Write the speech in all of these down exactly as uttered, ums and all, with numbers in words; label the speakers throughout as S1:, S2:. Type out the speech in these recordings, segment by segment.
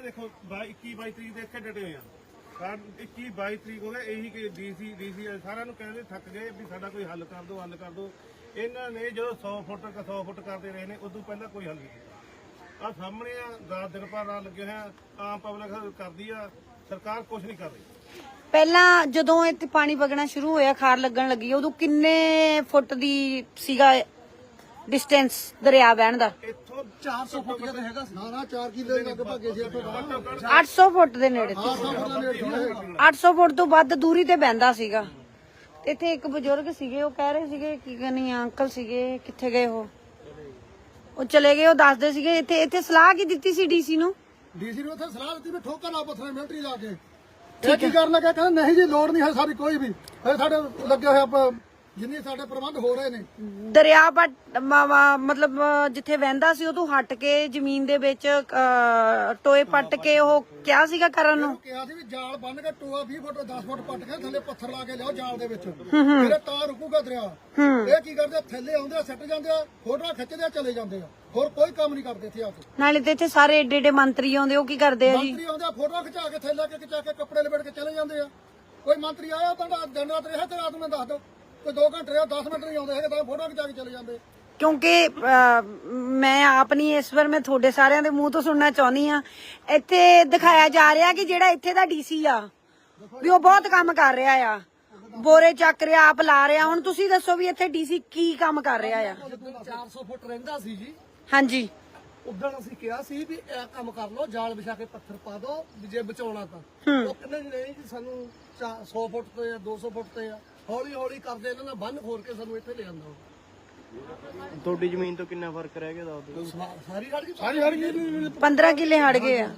S1: देखो इक्की बाई तरीक देख के डटे हुए हैं इक्की बाई तरीक हो गए यही कि डीसी डीसी सारा कहते थक गए भी साडा कोई हल कर दो हल कर दो इन्होंने जो सौ फुट सौ फुट करते रहे ने उदों पहला कोई हल नहीं किया। आ सामने रात दिन भर रात लगे हैं आम पब्लिक करती है सरकार कुछ नहीं कर रही।
S2: ਪਹਿਲਾਂ ਜਦੋਂ ਇੱਥੇ ਪਾਣੀ ਵਗਣਾ ਸ਼ੁਰੂ ਹੋਇਆ ਖਾਰ ਲੱਗਣ ਲੱਗੀ ਉਦੋਂ ਕਿੰਨੇ ਫੁੱਟ ਦੀ ਸੀਗਾ ਡਿਸਟੈਂਸ ਦਰਿਆ ਵਹਿਣ ਦਾ?
S1: ਇੱਥੋਂ ਚਾਰ ਸੌ ਫੁੱਟ ਦਾ ਹੈਗਾ ਸੀ। ਨਾ ਨਾ ਚਾਰ ਕਿਲੇ ਲੱਗ ਭਾਗੇ ਸੀ ਇੱਥੋਂ
S2: ਅੱਠ ਸੌ ਫੁੱਟ ਦੇ ਨੇੜੇ ਅੱਠ ਸੌ ਫੁੱਟ ਤੋਂ ਵੱਧ ਦੂਰੀ ਤੇ ਬਹਿੰਦਾ ਸੀਗਾ। ਇੱਥੇ ਇੱਕ ਬਜ਼ੁਰਗ ਸੀਗੇ ਉਹ ਕਹਿ ਰਹੇ ਸੀਗੇ ਕੀ ਕਹਿੰਨੀ ਅੰਕਲ ਸੀਗੇ ਕਿੱਥੇ ਗਏ ਉਹ ਉਹ ਚਲੇ ਗਏ। ਉਹ ਦੱਸਦੇ ਸੀਗੇ ਇੱਥੇ ਇੱਥੇ ਸਲਾਹ ਕੀ ਦਿੱਤੀ ਸੀ ਡੀਸੀ ਨੂੰ?
S3: ਡੀਸੀ ਨੂੰ ਉੱਥੇ ਸਲਾਹ ਦਿੱਤੀ ਵੀ ਠੋਕਰ ਲਾ ਪੱਥਰ ਮਿਲਟਰੀ ਲਾ ਕੇ ਇਹ ਕੀ ਕਰਨ ਲੱਗਾ ਕਹਿੰਦਾ ਨਹੀਂ ਜੀ ਲੋੜ ਨਹੀਂ ਹੈ ਸਾਡੀ ਕੋਈ ਵੀ ਇਹ ਸਾਡੇ ਲੱਗੇ ਹੋਏ ਆਪਾਂ ਜਿੰਨੇ ਸਾਡੇ ਪ੍ਰਬੰਧ ਹੋ ਰਹੇ ਨੇ
S2: ਦਰਿਆ ਪਟ ਮਤਲਬ ਜਿੱਥੇ ਵਹਿੰਦਾ ਸੀ ਉਹ ਤੋਂ ਹਟ ਕੇ ਜ਼ਮੀਨ ਦੇ ਵਿੱਚ ਟੋਏ ਪੱਟ ਕੇ ਉਹ ਕਿਹਾ ਸੀਗਾ ਕਰਨ ਨੂੰ
S3: ਕਿਹਾ ਸੀ ਵੀ ਜਾਲ ਬੰਨ ਕੇ ਟੋਆ ਵੀਹ ਫੁੱਟ ਦਸ ਫੁੱਟ ਪੱਟ ਕੇ ਥੱਲੇ ਪੱਥਰ ਲਾ ਕੇ ਲਿਆਓ ਜਾਲ ਦੇ ਵਿੱਚ ਫਿਰ ਤਾਂ ਰੁਕੂਗਾ ਦਰਿਆ। ਇਹ ਕੀ ਕਰਦੇ ਥੱਲੇ ਆਉਂਦੇ ਆ ਸਿੱਟ ਜਾਂਦੇ ਆ ਫੋਟੋਆਂ ਖਿੱਚਦੇ ਆ ਚਲੇ ਜਾਂਦੇ ਆ ਹੋਰ ਕੋਈ ਕੰਮ ਨਹੀਂ ਕਰਦੇ ਇੱਥੇ ਆ ਕੇ।
S2: ਨਾਲੇ ਤੇ ਇੱਥੇ ਸਾਰੇ ਏਡੇ ਏਡੇ ਮੰਤਰੀ ਆਉਂਦੇ ਉਹ ਕੀ ਕਰਦੇ ਆ ਜੀ?
S3: ਮੰਤਰੀ ਆਉਂਦੇ ਆ ਫੋਟੋਆਂ ਖਿਚਾ ਕੇ ਥੱਲੇ ਕੇ ਖਿਚਾ ਕੇ ਕੱਪੜੇ ਲਪੇਟ ਕੇ ਚਲੇ ਜਾਂਦੇ ਆ। ਕੋਈ ਮੰਤਰੀ ਆਇਆ ਤਾਂ ਦਿਨ ਰਾਤ ਰਿਹਾ ਤੇ ਰਾਤ ਨੂੰ ਦੱਸ ਦਿਓ ਕੋਈ ਦੋ ਘੰਟੇ ਰਿਹਾ ਦਸ ਮਿੰਟ ਨਹੀਂ ਆਉਂਦੇ ਹੈਗੇ ਤਾਂ ਫੋਟੋਆਂ ਖਿਚਾ ਕੇ ਚਲੇ ਜਾਂਦੇ।
S2: ਕਿਉਂਕਿ ਮੈਂ ਆਪਣੀ ਇਸ ਵਾਰ ਮੈਂ ਤੁਹਾਡੇ ਸਾਰਿਆਂ ਦੇ ਮੂੰਹ ਤੋਂ ਸੁਣਨਾ ਚਾਹੁੰਦੀ ਆ ਇੱਥੇ ਦਿਖਾਇਆ ਜਾ ਰਿਹਾ ਕਿ ਜਿਹੜਾ ਇੱਥੇ ਦਾ ਡੀਸੀ ਆ ਵੀ ਉਹ ਬਹੁਤ ਕੰਮ ਕਰ ਰਿਹਾ ਆ ਬੋਰੇ ਚੱਕ ਰਿਹਾ ਆਪ ਲਾ ਰਿਹਾ। ਹੁਣ ਤੁਸੀਂ ਦੱਸੋ ਵੀ ਇੱਥੇ ਡੀਸੀ ਕੀ ਕੰਮ ਕਰ ਰਿਹਾ ਆ?
S3: ਚਾਰ ਸੌ ਫੁੱਟ ਰਹਿੰਦਾ ਸੀ ਜੀ
S2: ਹਾਂਜੀ
S3: ਉਦੋਂ ਅਸੀਂ ਕਿਹਾ ਸੀ ਵੀ ਇਹ ਕੰਮ ਕਰ ਲਓ ਜਾਲ ਵਿਛਾ ਕੇ ਪੱਥਰ ਪਾ ਦਿਓ ਵੀ ਜੇ ਬਚਾਉਣਾ ਤਾਂ ਉਹ ਕਹਿੰਦੇ ਨਹੀਂ ਜੀ ਸਾਨੂੰ ਸੌ ਫੁੱਟ ਤੇ ਆ ਦੋ ਸੌ ਫੁੱਟ ਤੇ ਆ ਹੌਲੀ ਹੌਲੀ ਕਰਦੇ ਇਹਨਾਂ ਨੇ ਬੰਨ ਖੋਲ ਕੇ ਸਾਨੂੰ ਇੱਥੇ ਲੈ ਆਂਦਾ।
S4: ਤੁਹਾਡੀ ਜ਼ਮੀਨ ਤੋਂ ਕਿੰਨਾ ਫਰਕ ਰਹਿ ਗਿਆ ਦੱਸ ਦਿਓ।
S3: ਸਾਰੀ ਹੜ ਗਈ ਸਾਰੀ ਹੜ ਗਈ
S2: ਪੰਦਰਾਂ ਕਿੱਲੇ ਹੜ ਗਏ ਆ।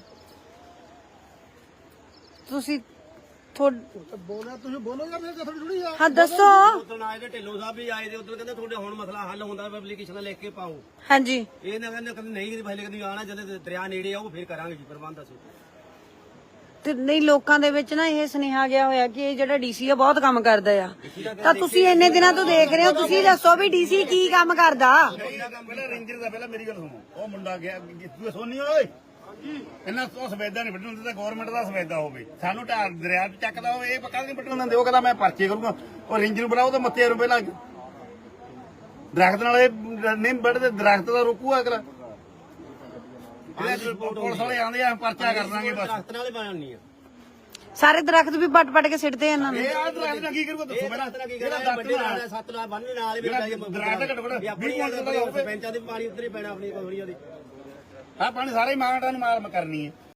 S2: ਤੁਸੀਂ
S3: ਬੋਲਿਆ ਤੁਸੀਂ ਬੋਲੋਗੇ ਫਿਰ ਥੋੜੀ ਥੋੜੀ ਆ।
S2: ਹਾਂ ਦੱਸੋ।
S5: ਉਦੋਂ ਆਏ ਤੇ ਢਿੱਲੋਂ ਸਾਹਿਬ ਵੀ ਆਏ ਤੇ ਉਦੋਂ ਕਹਿੰਦੇ ਤੁਹਾਡੇ ਹੁਣ ਮਸਲਾ ਹੱਲ ਹੁੰਦਾ ਐਪਲੀਕੇਸ਼ਨ ਲਿਖ ਕੇ ਪਾਓ।
S2: ਹਾਂਜੀ
S5: ਇਹ ਨਾ ਕਹਿੰਦੇ ਕਹਿੰਦੇ ਨਹੀਂ ਪਹਿਲੇ ਕਦੀ ਆਣਾ ਜਦੋਂ ਦਰਿਆ ਨੇੜੇ ਆਊ ਫਿਰ ਕਰਾਂਗੇ ਜੀ ਪ੍ਰਬੰਧ ਅਸੀਂ।
S2: ਤੇ ਨਹੀਂ ਲੋਕਾਂ ਦੇ ਵਿੱਚ ਨਾ ਇਹ ਸੁਨੇਹਾ ਗਿਆ ਹੋਇਆ ਕਿ ਇਹ ਜਿਹੜਾ ਡੀਸੀ ਆ ਬਹੁਤ ਕੰਮ ਕਰਦਾ ਆ ਤਾਂ ਤੁਸੀਂ ਇੰਨੇ ਦਿਨਾਂ ਤੋਂ ਦੇਖ ਰਹੇ ਹੋ ਤੁਸੀਂ ਦੱਸੋ ਵੀ ਡੀਸੀ ਕੀ ਕੰਮ ਕਰਦਾ?
S1: ਪਹਿਲਾਂ ਰੇਂਜਰ ਦਾ ਪਹਿਲਾਂ ਮੇਰੀ ਗੱਲ ਸੁਣੋ ਉਹ ਮੁੰਡਾ ਗਿਆ ਤੂੰ ਸੋਨੀ ਓਏ ਇਹਨਾਂ ਤੋਂ ਸਵੇਦਾ ਨਹੀਂ ਵੱਢਣ ਦਿੰਦਾ ਗਵਰਨਮੈਂਟ ਦਾ ਸਵੇਦਾ ਹੋਵੇ ਸਾਨੂੰ ਢਾਰ ਦਰਿਆ ਚ ਚੱਕਦਾ ਹੋਵੇ ਇਹ ਪੱਕਾ ਨਹੀਂ ਵੱਢਣ ਦਿੰਦੇ। ਉਹ ਕਹਿੰਦਾ ਮੈਂ ਪਰਚੇ ਕਰੂੰਗਾ ਉਹ ਰੇਂਜਰ ਨੂੰ ਬੁਲਾਓ ਤਾਂ ਮੱਥੇ ਰੁਪਏ ਲੱਗ ਦਰਖਤ ਨਾਲ ਇਹ ਨਹੀਂ ਵੱਢਦੇ ਦਰਖਤ ਦਾ ਰੋਕੂਗਾ ਅਗਲਾ ਪੁਲਿਸ ਵਾਲੇ ਆਉਂਦੇ ਆ ਪਰਚਾ ਕਰ ਦਾਂਗੇ ਬਸ।
S5: ਦਰਖਤ ਨਾਲ ਹੀ ਬਣਨੀ ਆ
S2: ਸਾਰੇ ਦਰਖਤ ਵੀ ਪੱਟ ਪੱਟ ਕੇ ਸਿੱਟਦੇ ਇਹਨਾਂ ਨੇ।
S1: ਇਹ ਆ ਦਰਖਤ ਨਾਲ ਕੀ ਕਰੂਗਾ ਦੱਸੋ ਪਹਿਲਾਂ
S5: ਦਰਖਤ ਨਾਲ ਕੀ ਕਰਨਾ ਵੱਡੇ ਨਾਲ ਸੱਤ ਨਾਲ ਬੰਨ੍ਹਣ ਨਾਲ ਹੀ
S1: ਦਰਖਤ ਘੱਟੋ ਘੱਟ ਵੀਹ ਕੁਇੰਟਲ ਦਾ ਹੋਵੇ
S5: ਸਰਪੰਚਾਂ ਦੇ ਪਾਣੀ ਉੱਧਰ ਹੀ ਪੈਣਾ ਆਪਣੀ ਕੋਹੜੀਆਂ ਦੀ।
S1: ਆ ਪਾਣੀ ਸਾਰੇ ਮਾਗਟਾਂ ਨੂੰ ਮਾਰ ਕਰਨੀ ਹੈ।